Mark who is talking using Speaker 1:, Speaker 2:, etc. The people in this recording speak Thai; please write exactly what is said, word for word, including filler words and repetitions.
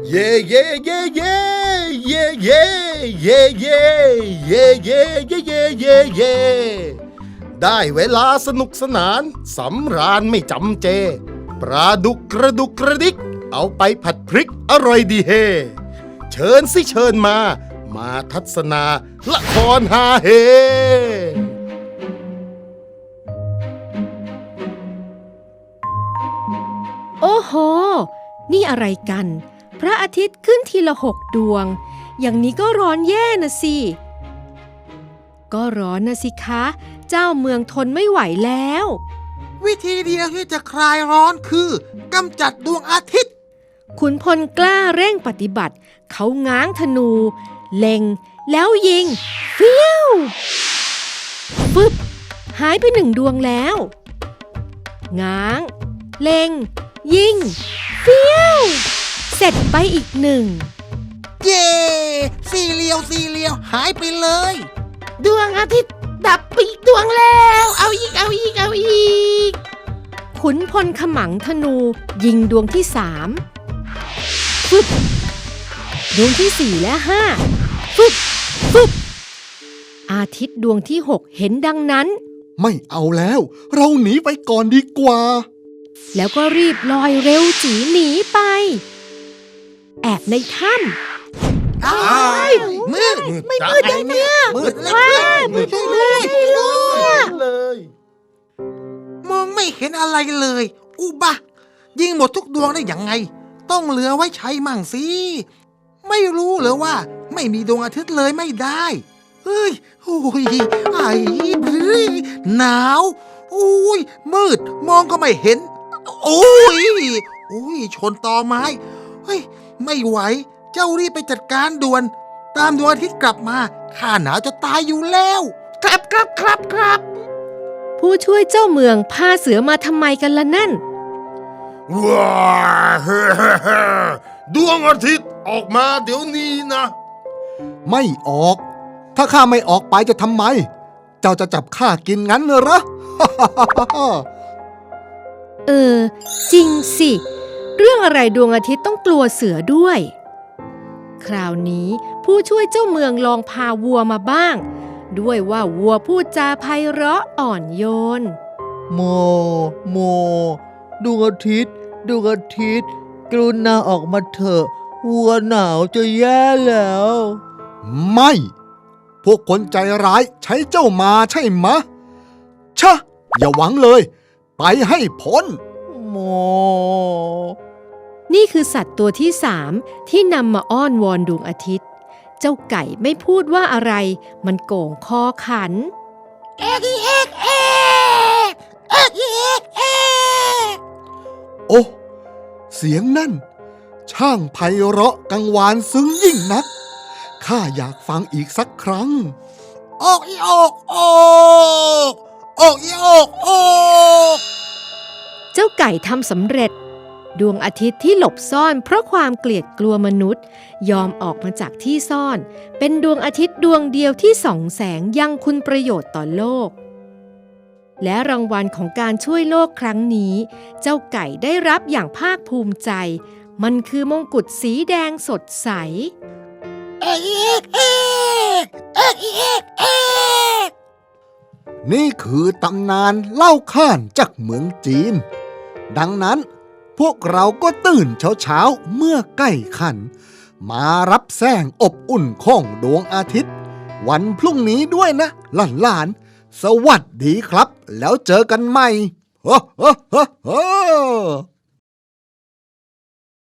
Speaker 1: เย่เย่เย่เย่เย่เย่เย่เย่เย่เย่เย่เย่เย่เย่ได้เวลาสนุกสนานสำราญไม่จำเจปลาดุกกระดุกกระดิกเอาไปผัดพริกอร่อยดีเฮเชิญสิเชิญมามาทัศนาละครฮาเฮ
Speaker 2: โอ้โหนี่อะไรกันพระอาทิตย์ขึ้นทีละหกดวงอย่างนี้ก็ร้อนแย่นะสิก็ร้อนนะสิคะเจ้าเมืองทนไม่ไหวแล้ว
Speaker 3: วิธีเดียวที่จะคลายร้อนคือกำจัดดวงอาทิตย์
Speaker 2: ขุนพลกล้าเร่งปฏิบัติเขาง้างธนูเล็งแล้วยิงเฟี้ยวฟึบหายไปหนึ่งดวงแล้วง้างเล็งยิงเฟี้ยวเสร็จไปอีกหนึ่ง
Speaker 3: เย่สี่เหลี่ยวสี่เหลี่ยวหายไปเลย
Speaker 4: ดวงอาทิตย์ดับไปอีกดวงแล้วเอาอีกเอาอีกเอาอีก
Speaker 2: ขุนพลขมังธนูยิงดวงที่สามฟึบดวงที่สี่และห้าฟึบฟึบอาทิตย์ดวงที่หกเห็นดังนั้น
Speaker 5: ไม่เอาแล้วเราหนีไปก่อนดีกว่า
Speaker 2: แล้วก็รีบลอยเร็วจีหนีไปแอบในถ้ำ
Speaker 3: อ้าวมืด
Speaker 4: ไม่มืดเลยเนี่ย
Speaker 3: มืดเลย
Speaker 4: มืดเลย
Speaker 1: เลย
Speaker 3: มองไม่เห็นอะไรเลยอุบะยิงหมดทุกดวงได้ยังไงต้องเหลือไว้ใช้มั่งสิไม่รู้เหรอว่าไม่มีดวงอาทิตย์เลยไม่ได้เฮ้ยโอ้ยไอ้หนาวโอ้ยมืดมองก็ไม่เห็นโอ้ยโอ้ยชนตอไม้เฮ้ยไม่ไหวเจ้ารีบไปจัดการด่วนตามดวงอาทิตย์กลับมาข้าหนาวจะตายอยู่แล้ว
Speaker 4: ครับครับครับครับ
Speaker 2: ผู้ช่วยเจ้าเมืองพาเสือมาทำไมกันล่ะนั่น
Speaker 1: ว้าดวงอาทิตย์ออกมาเดี๋ยวนี้นะ
Speaker 5: ไม่ออกถ้าข้าไม่ออกไปจะทำไมเจ้าจะจับข้ากินงั้นเหรอ
Speaker 2: เออจริงสิเรื่องอะไรดวงอาทิตย์ต้องกลัวเสือด้วยคราวนี้ผู้ช่วยเจ้าเมืองลองพาวัวมาบ้างด้วยว่าวัวพูดจาไพเราะอ่อนโยน
Speaker 6: โมโมดวงอาทิตย์ดวงอาทิตย์กรุณาออกมาเถอะวัวหนาวจะแย่แล้ว
Speaker 5: ไม่พวกคนใจร้ายใช้เจ้ามาใช่มะชะอย่าหวังเลยไปให้พ้น
Speaker 6: โม
Speaker 2: นี่คือสัตว์ตัวที่สามที่นำมาอ้อนวอนดวงอาทิตย์เจ้าไก่ไม่พูดว่าอะไรมันโก่งคอขัน
Speaker 4: เอ๊กเอ๊กเอ๊กเอ๊กเอ๊กเอ๊ก
Speaker 5: โอ้เสียงนั่นช่างไพเราะกังวานซึ้งยิ่งนักข้าอยากฟังอีกสักครั้ง
Speaker 3: ออกอีออกออกออกอีออกออก
Speaker 2: เจ้าไก่ทำสำเร็จดวงอาทิตย์ที่หลบซ่อนเพราะความเกลียดกลัวมนุษย์ยอมออกมาจากที่ซ่อนเป็นดวงอาทิตย์ดวงเดียวที่ส่องแสงยังคุณประโยชน์ต่อโลกและรางวัลของการช่วยโลกครั้งนี้เจ้าไก่ได้รับอย่างภาคภูมิใจมันคือมงกุฎสีแดงสดใส
Speaker 4: เอ๊กเอ๊กเอ๊กเอ๊กเอ๊กเอ๊ก
Speaker 5: นี่คือตำนานเล่าขานจากเมืองจีนดังนั้นพวกเราก็ตื่นเช้าๆเมื่อใกล้ค่ำมารับแสงอบอุ่นของดวงอาทิตย์วันพรุ่งนี้ด้วยนะหลานๆสวัสดีครับแล้วเจอกันใหม่ ฮ่าฮ่าฮ่า